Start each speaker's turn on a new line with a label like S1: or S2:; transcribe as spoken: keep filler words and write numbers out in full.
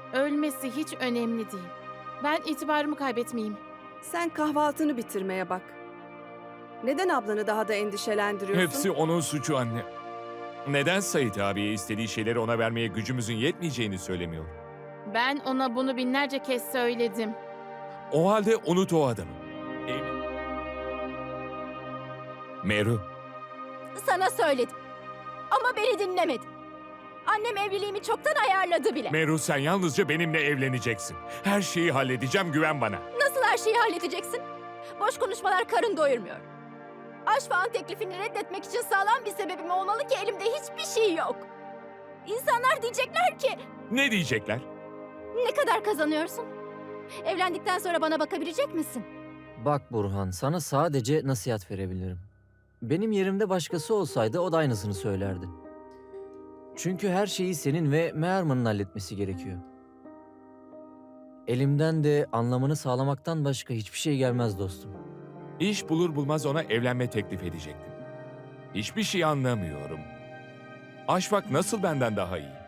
S1: Ölmesi hiç önemli değil. Ben itibarımı kaybetmeyeyim.
S2: Sen kahvaltını bitirmeye bak. Neden ablanı daha da endişelendiriyorsun?
S3: Hepsi onun suçu anne. Neden Sait abiye istediği şeyleri ona vermeye gücümüzün yetmeyeceğini söylemiyor?
S1: Ben ona bunu binlerce kez söyledim.
S3: O halde unut o adamı. Ev- Meru,
S4: Sana söyledim. Ama beni dinlemedin. Annem evliliğimi çoktan ayarladı bile.
S3: Meru sen yalnızca benimle evleneceksin. Her şeyi halledeceğim, güven bana.
S4: Nasıl her şeyi halledeceksin? Boş konuşmalar karın doyurmuyor. Aşfağın teklifini reddetmek için sağlam bir sebebim olmalı ki elimde hiçbir şey yok. İnsanlar diyecekler ki
S3: Ne diyecekler?
S4: ne kadar kazanıyorsun? Evlendikten sonra bana bakabilecek misin?
S5: Bak Burhan, sana sadece nasihat verebilirim. Benim yerimde başkası olsaydı o da aynısını söylerdi. Çünkü her şeyi senin ve Meherman'ın halletmesi gerekiyor. Elimden de anlamını sağlamaktan başka hiçbir şey gelmez dostum.
S3: İş bulur bulmaz ona evlenme teklif edecektim. Hiçbir şey anlamıyorum. Aşfak nasıl benden daha iyi?